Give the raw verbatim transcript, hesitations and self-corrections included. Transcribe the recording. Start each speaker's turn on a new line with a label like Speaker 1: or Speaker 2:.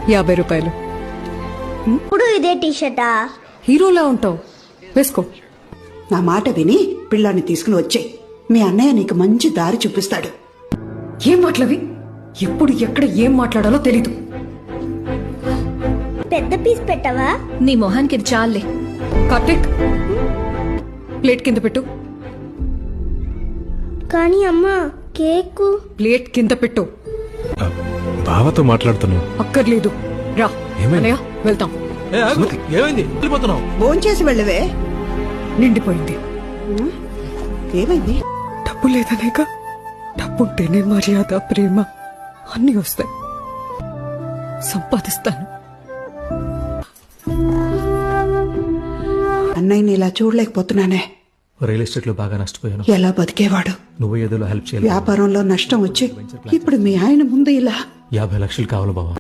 Speaker 1: యాభై రూపాయలు.
Speaker 2: ఇప్పుడు ఇదే టీషర్టా?
Speaker 1: హీరోలా ఉంటావు, వేసుకో.
Speaker 3: నా మాట విని పిల్లాన్ని తీసుకుని వచ్చే మీ అన్నయ్య నీకు మంచి దారి చూపిస్తాడు.
Speaker 1: ఏం మాటలవి? ఎప్పుడు ఎక్కడ ఏం మాట్లాడాలో తెలీదు.
Speaker 2: పెద్ద పీస్ పెట్టవా?
Speaker 4: నీ మొహానికి ఇది చాలే.
Speaker 1: కార్తీక్, ప్లేట్ కింద పెట్టు.
Speaker 2: కానీ అమ్మా, కేక్
Speaker 1: ప్లేట్ కింద పెట్టు.
Speaker 5: బావతో మాట్లాడుతున్నావు.
Speaker 1: అక్కర్లేదు, రా. అన్నయ్య, వెళ్తాం.
Speaker 5: ఏమైంది? వెళ్ళిపోతున్నావు?
Speaker 3: భోంచేసి వెళ్ళవే.
Speaker 1: నిండిపోయింది.
Speaker 3: ఏమైంది?
Speaker 1: డబ్బు లేదనేక. డబ్బుంటేనే మర్యాద, ప్రేమ అన్నీ వస్తాయి. సంపాదిస్తాను.
Speaker 3: అన్నయ్యని ఇలా చూడలేకపోతున్నానే.
Speaker 5: రియల్ ఎస్టేట్ లో బాగా నష్టపోయాను.
Speaker 3: ఎలా బతికేవాడు?
Speaker 5: నువ్వు ఏదో హెల్ప్ చేయాలి.
Speaker 3: వ్యాపారంలో నష్టం వచ్చి ఇప్పుడు మీ ఆయన ముందు ఇలా
Speaker 5: యాభై లక్షలు కావాలి బావ.